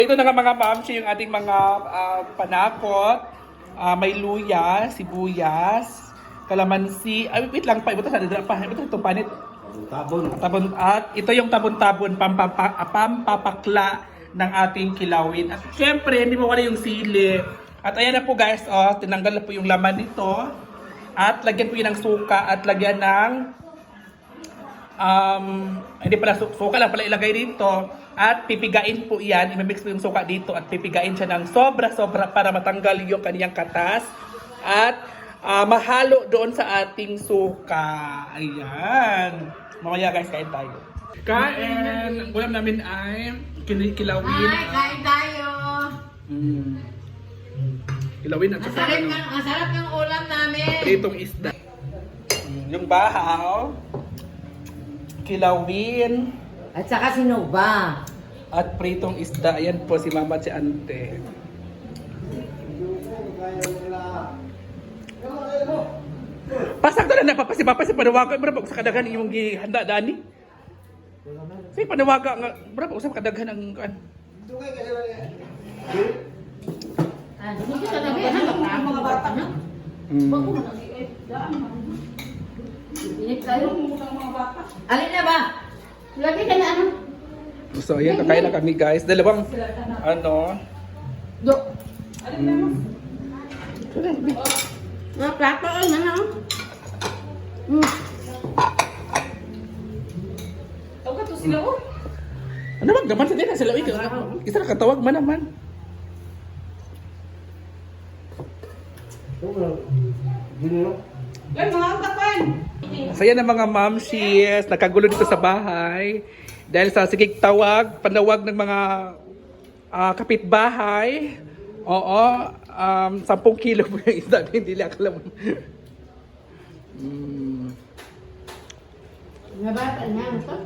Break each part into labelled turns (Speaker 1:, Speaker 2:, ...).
Speaker 1: Ito na nga mga mamsi yung ating mga panakot. May luya, sibuyas, kalamansi. Ay, wait lang pa. Ito itong panit. Tabon. At ito yung tabon-tabon, pampapakla ng ating kilawin. At syempre, hindi mo wala yung sili. At ayan na po guys, tinanggal na po yung laman nito. At lagyan po yun ng suka at lagyan ng hindi pala suka lang pala ilagay dito at pipigain po yan, i-mix po yung suka dito at pipigain siya ng sobra-sobra para matanggal yung kaniyang katas at mahalo doon sa ating suka. Ayan. Mamaya guys, kain tayo. Kain! Ang ulam namin ay kilawin.
Speaker 2: Ay, kain tayo!
Speaker 1: Kilawin at saka
Speaker 2: Ang sarap ng ulam namin!
Speaker 1: pritong isda. Yung bahaw, kilawin,
Speaker 2: At saka sinuba.
Speaker 1: at pritong isda. Ayan po si mama at si ante. Pasakto na napapasipapa si panawaga. Berapa sa kadaghan yung gihanda dani? Say panawaga nga. Berapa usap kadaghan ang kan?
Speaker 2: Hindi ka nabi, ang mga bata na. Inip tayo. Alin na ba? Lagi ka na ano?
Speaker 1: So ayan, kakain na kami guys. Dalawang ano.
Speaker 2: Do. Mga plato ay na. Tawag ka to sila oh.
Speaker 1: Ano ba gaman sa din sila ito. Isa na katawag man naman.
Speaker 2: Yan mga kapan.
Speaker 1: Saya na mga mamsis, nakagulo dito sa bahay. Dahil sa sigig tawag, panawag ng mga kapitbahay. Oo, 10 kilo po yung isda. Hindi lang alam.
Speaker 2: Mga bata na.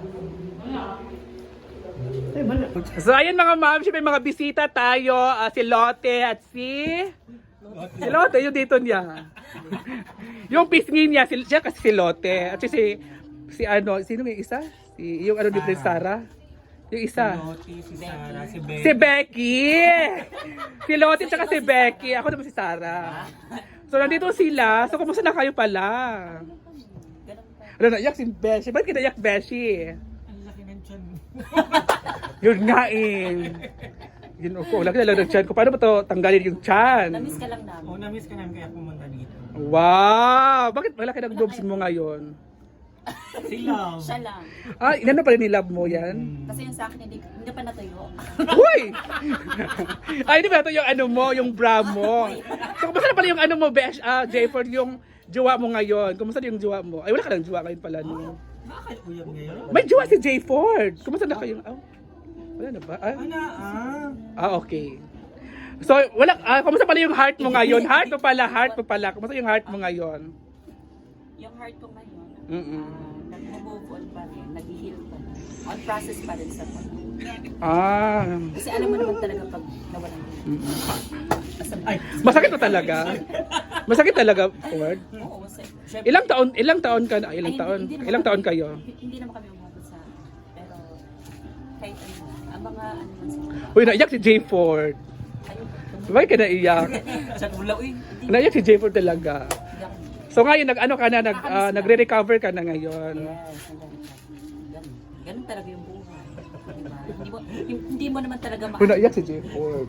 Speaker 1: So ayan mga mamsis, may mga bisita tayo. Si Lotte at si Lotte, yung dito niya. Yung pisngin niya, siya kasi si Lotte. At si ano, sino may isa? Yung ano dito ni Sarah? Yung isa.
Speaker 3: Si Sarah, si Becky.
Speaker 1: Si Becky! Si Lotte tsaka si Becky. Ako naman si Sarah. So nandito sila. So kumusta na kayo pala? Ano naiyak si Beshi? Bakit kinaiyak Beshi?
Speaker 3: Ang laki ng tiyan mo.
Speaker 1: Yun nga eh. Yun ako. Laki na lang ng tiyan ko. Paano ba to tanggalin yung tiyan?
Speaker 4: Namiss ka lang namin.
Speaker 3: Oo, na-miss ka namin kaya pumunta dito.
Speaker 1: Wow! Bakit malaki ng boobs mo ngayon?
Speaker 3: Si Love.
Speaker 4: Siya lang.
Speaker 1: Inano pa rin ni love mo yan?
Speaker 4: Kasi yung sa akin, hindi pa natuyo.
Speaker 1: Uy! Ay, di ba ito yung ano mo, yung bra mo? So, kumusta na pala yung ano mo, Besh, Jayford, yung jowa mo ngayon? Kumusta na yung jowa mo? Ay, wala ka ng jowa ngayon pala. No?
Speaker 3: Bakit uyab ngayon?
Speaker 1: May jowa si Jayford. Kumusta na kayo? Wala na ba? Okay. So, kumusta pala yung heart mo ngayon? Heart mo pala. Kumusta yung heart mo ngayon?
Speaker 4: Yung heart ko ngayon, nag-move on pa rin, nag-heal pa rin. On process pa rin sa pag. Kasi alam mo naman talaga pag nawalan mo.
Speaker 1: Masakit mo talaga? Masakit talaga, Ford?
Speaker 4: Oo, syempre.
Speaker 1: Ilang taon ka na? Ilang taon kayo?
Speaker 4: Hindi naman kami umabot sa, pero kahit ano, ang mga ano man sa
Speaker 1: Uy, naiyak si Jay Ford.
Speaker 4: ayun,
Speaker 1: Bakit ka naiyak?
Speaker 4: sa tulaw eh.
Speaker 1: Naiyak si Jay Ford talaga.
Speaker 4: Hindi ako.
Speaker 1: So ngayon, nagre-recover ka na ngayon.
Speaker 4: Yes, ganun talaga yung buhay. Diba? Hindi mo naman talaga
Speaker 1: Uy, naiyak si Jay Ford.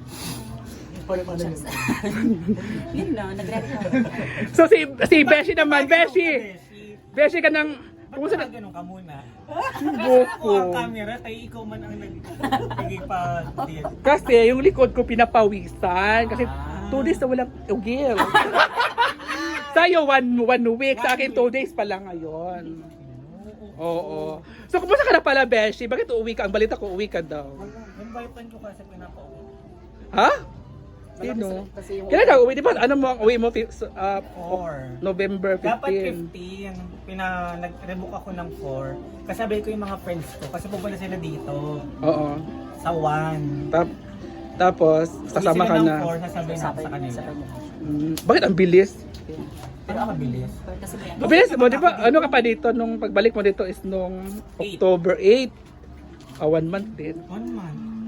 Speaker 4: Yun lang, nagre-recover.
Speaker 1: So si Beshi naman, Beshi ka ng... Kumusta na?
Speaker 3: Ganun ka muna.
Speaker 1: Buko.
Speaker 3: Ako ang camera, tayo ikaw man ang nagbigay pa dito.
Speaker 1: Kasi yung likod ko pinapawisan. Kasi 2 days na walang ugil. Sa'yo 1 week, sa akin 2 days pa lang ngayon. Oo. So kumusta ka na pala, Beshi? Bakit uuwi ka? Ang balita ko, uwi ka daw.
Speaker 3: Yung boyfriend ko kasi pinapa-uwi.
Speaker 1: Ha? Sino? Kailan ka uwi? Di ba? Ano mo ang uwi mo? November 15.
Speaker 3: Dapat 15. Nag-rebook ako ng 4. Kasabi ko yung mga friends ko. Kasi pupunta sila dito.
Speaker 1: Oo.
Speaker 3: Sa 1.
Speaker 1: Tapos, sasama ka na.
Speaker 3: 4, sasabihin ako sa kanila.
Speaker 1: Bakit ang bilis?
Speaker 3: Pero ang mabilis.
Speaker 4: Kasi may
Speaker 1: Ang bilis mo, di ba? Ano ka pa dito? Nung pagbalik mo dito is nung October 8. 1 month din.
Speaker 3: 1 month.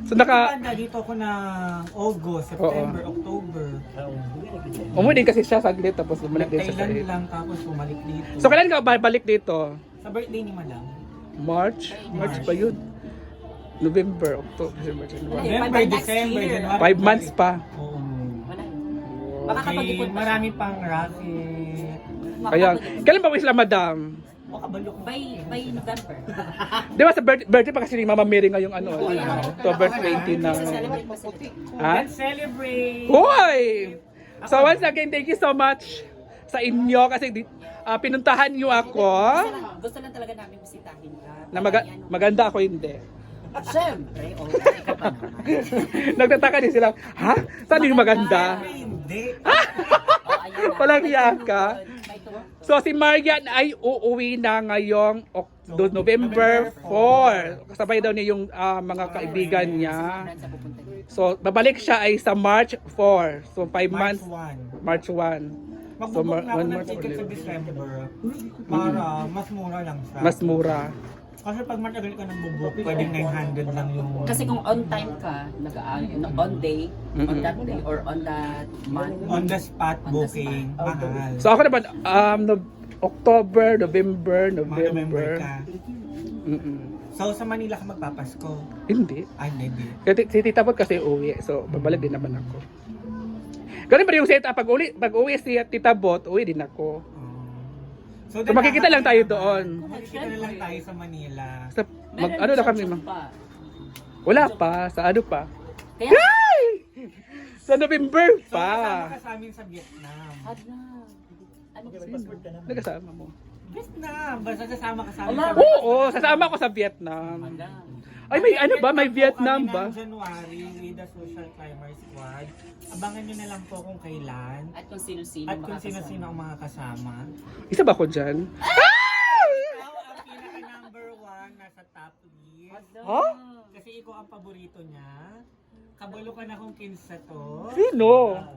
Speaker 1: So naka
Speaker 3: Dito ako ng August, September, October.
Speaker 1: umuwi din kasi siya saglit tapos bumalik din siya sa
Speaker 3: Thailand lang tapos bumalik dito.
Speaker 1: So kailan ka balik dito?
Speaker 3: Sa birthday ni Madam.
Speaker 1: March pa yun. November, October, December, January.
Speaker 3: November,
Speaker 4: by next
Speaker 3: December,
Speaker 4: year.
Speaker 3: January.
Speaker 1: 5 months pa.
Speaker 3: Oo.
Speaker 4: Wala.
Speaker 3: Okay,
Speaker 4: Makakapag-ipon pa
Speaker 3: marami pang racket.
Speaker 1: Kaya, kailan ba wish lang, madam?
Speaker 3: O kabalo ko.
Speaker 4: by November.
Speaker 1: Di ba sa birthday pa kasi ni Mama Mary ngayong October 20 na.
Speaker 4: Celebrate pa sila.
Speaker 1: Ha?
Speaker 3: Let's celebrate!
Speaker 1: Hoy! So once again, thank you so much sa inyo kasi pinuntahan niyo ako.
Speaker 4: Gusto lang talaga namin bisitahin ka.
Speaker 1: Na maganda ako hindi.
Speaker 4: Siyempre, ikaw pa naman.
Speaker 1: Nagtataka din sila, ha? Saan yung maganda?
Speaker 3: Hindi.
Speaker 1: Walang hiya ka. So si Marian ay uuwi na ngayong November 4. Kasabay daw niya yung mga kaibigan niya. So babalik siya ay sa March 4. So 5 months, March 1. So
Speaker 3: Magbubok na ako ng
Speaker 1: month
Speaker 3: ticket sa
Speaker 1: ulit.
Speaker 3: December para mas mura lang siya.
Speaker 1: Mas mura.
Speaker 3: Kasi pag matagal ka ng bubuk, pwedeng 900 lang yung...
Speaker 4: Kasi kung on time ka, on day, on that day, or on that month,
Speaker 3: On the spot
Speaker 4: On the
Speaker 3: booking,
Speaker 4: spot.
Speaker 3: mahal.
Speaker 1: So ako naman October, November.
Speaker 3: November ka.
Speaker 1: Mm-mm.
Speaker 3: So sa Manila ka magpapasko?
Speaker 1: Hindi.
Speaker 3: Ay, hindi.
Speaker 1: Kasi si Tita Bot kasi uwi. So babalik din naman ako. Ganun pa rin yung setup. Pag uwi si Tita Bot, uwi din ako. So makikita lang tayo doon.
Speaker 3: Makikita na lang tayo sa Manila.
Speaker 1: Sa,
Speaker 4: meron
Speaker 1: ano na
Speaker 4: siyang
Speaker 1: kami,
Speaker 4: joke pa.
Speaker 1: wala pa. Sa ano pa?
Speaker 4: Kaya,
Speaker 1: Sa November
Speaker 3: So
Speaker 1: pa.
Speaker 3: kasama ka sa amin sa Vietnam.
Speaker 4: ano
Speaker 1: Nagkasama mo.
Speaker 3: Vietnam! Basta sasama ka sa amin
Speaker 4: Wala.
Speaker 3: sa
Speaker 1: Oo, sasama ko sa Vietnam. Ay, may ano ba? May Vietnam ba?
Speaker 3: January with the Social Climber Squad. Abangan nyo na lang po kung kailan.
Speaker 4: At kung sino-sino
Speaker 3: At kung
Speaker 4: makakasama.
Speaker 3: sino-sino ang mga kasama.
Speaker 1: Isa ba ako dyan?
Speaker 3: Ikaw ang pinaka number 1 nasa top list.
Speaker 1: Ha?
Speaker 3: Kasi ikaw ang paborito niya. Kabalo ka na kung kinsa to.
Speaker 1: Sino?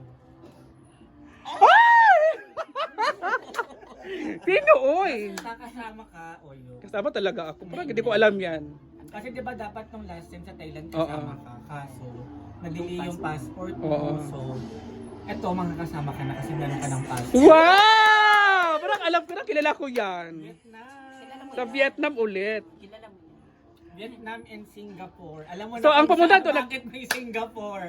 Speaker 1: Sino, oy?
Speaker 3: Kakasama ka, Oyo.
Speaker 1: Kasama talaga ako. Parang hindi ko alam yan.
Speaker 3: Kasi di ba dapat nung last time sa Thailand
Speaker 1: Oo.
Speaker 3: kasama ka. Kaso, na-delay yung passport mo.
Speaker 1: Oo.
Speaker 3: So, eto, makakasama ka na kasi meron ka ng passport.
Speaker 1: Wow! Parang alam ko na, kilala ko yan.
Speaker 3: Vietnam.
Speaker 1: Sa Vietnam ulit.
Speaker 4: Kilala mo.
Speaker 3: Vietnam and Singapore. Alam mo
Speaker 1: So,
Speaker 3: na
Speaker 1: ang
Speaker 3: kung
Speaker 1: pumunta
Speaker 3: saan
Speaker 1: doon,
Speaker 3: bakit may Singapore.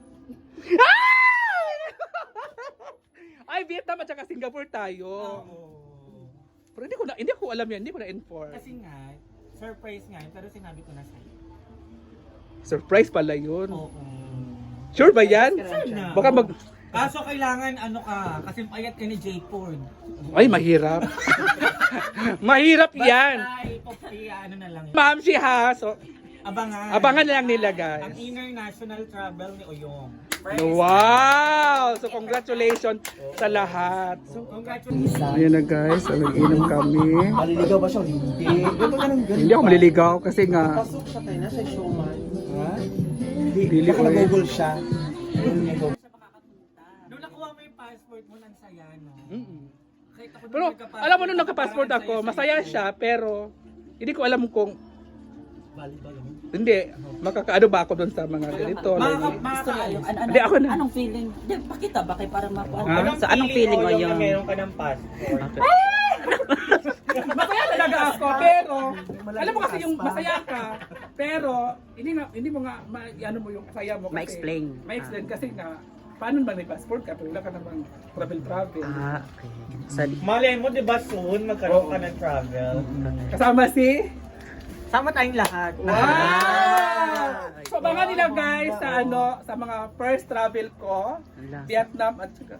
Speaker 1: Ay, Vietnam at saka Singapore tayo.
Speaker 3: Oo.
Speaker 1: Pero hindi ko alam yan, hindi ko na-inform.
Speaker 3: Kasi nga, surprise nga yun, pero sinabi ko na sa'yo.
Speaker 1: Surprise pala yun.
Speaker 3: Oo.
Speaker 1: Sure ba yan?
Speaker 3: Na.
Speaker 1: Baka mag...
Speaker 3: Kaso kailangan ano ka, kasi payat ka ni J. Ford.
Speaker 1: Ay, mahirap. Mahirap yan.
Speaker 3: Basta, ano na lang yun.
Speaker 1: Ma'am si ha. So,
Speaker 3: Abangan
Speaker 1: na lang nila,
Speaker 3: Ang
Speaker 1: guys.
Speaker 3: international travel ni Oyong.
Speaker 1: Wow! So, congratulations sa lahat. So,
Speaker 3: Congratulations.
Speaker 1: ayan na guys, so, nag-inom kami.
Speaker 5: Maliligaw ba siya? Hindi. Ganun.
Speaker 1: Hindi ako maliligaw kasi nga,
Speaker 5: Pasok siya tayo na sa showman. Ha?
Speaker 1: Dili
Speaker 5: Baka
Speaker 1: ko eh.
Speaker 5: nag-google siya.
Speaker 3: Nung nakuha mo yung passport mo, nang saya, no? Kahit ako nung
Speaker 1: Pero
Speaker 3: nagka-passport,
Speaker 1: alam mo nung nagka-passport
Speaker 3: parang
Speaker 1: ako,
Speaker 3: saya-saya
Speaker 1: masaya
Speaker 3: ko.
Speaker 1: siya, pero hindi ko alam kung
Speaker 5: Bali.
Speaker 1: hindi, makakaano ba ako doon sa mga ganito.
Speaker 4: Gusto mo yung,
Speaker 1: Hindi, ako na.
Speaker 4: Anong feeling? Hindi, pakita ba kayo para mapuan?
Speaker 1: Ha?
Speaker 4: Sa anong feeling mo
Speaker 3: Oyong
Speaker 4: yung...
Speaker 3: na meron ka ng passport?
Speaker 1: Masaya talaga ako, pero alam mo kasi yung masaya ka, pero hindi mo nga ano mo yung saya mo kasi
Speaker 4: Ma-explain.
Speaker 1: Ma-explain kasi nga paano ba may passport ka pero wala ka namang travel.
Speaker 4: okay. Sa
Speaker 3: Malay mo, di ba soon magkaroon ka ng travel?
Speaker 1: Kasama si
Speaker 3: Sama tayong lahat.
Speaker 1: Wow! So abangan nila guys sa sa mga first travel ko, Vietnam at saka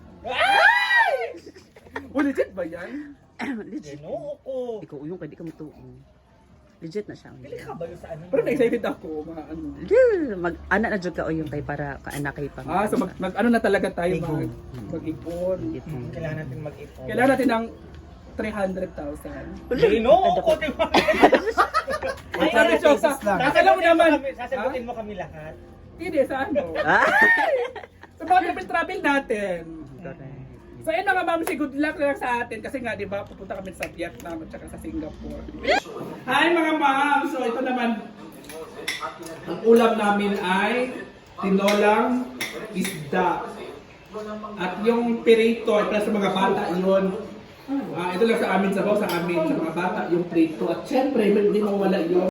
Speaker 1: legit ba yan?
Speaker 4: legit.
Speaker 3: Ginoo ko.
Speaker 4: Ikaw yung pwede ka mutuon. Legit na siya.
Speaker 3: Pili ka ba yun sa ano?
Speaker 1: Pero na-excited ako mga ano.
Speaker 4: Mag-anak na dyan ka o yung kay para kaanak kay pang.
Speaker 1: So mag ano na talaga tayo mag-ipon.
Speaker 3: Kailangan natin mag-ipon.
Speaker 1: Kailangan natin ng 300,000.
Speaker 3: Ginoo ko, di ba?
Speaker 1: Sabi siya sa, alam mo naman,
Speaker 3: Sasagutin mo kami lahat.
Speaker 1: hindi sa ano. Sa mga travel natin. So yun na nga ma'am, good luck na lang sa atin kasi nga di ba pupunta kami sa Vietnam at saka sa Singapore. Hi mga ma'am! So ito naman, Ang ulam namin ay tinolang isda. At yung pirito ay para sa mga bata yun. Ito lang sa amin, sa mga bata yung prito. At syempre, hindi mawala yun.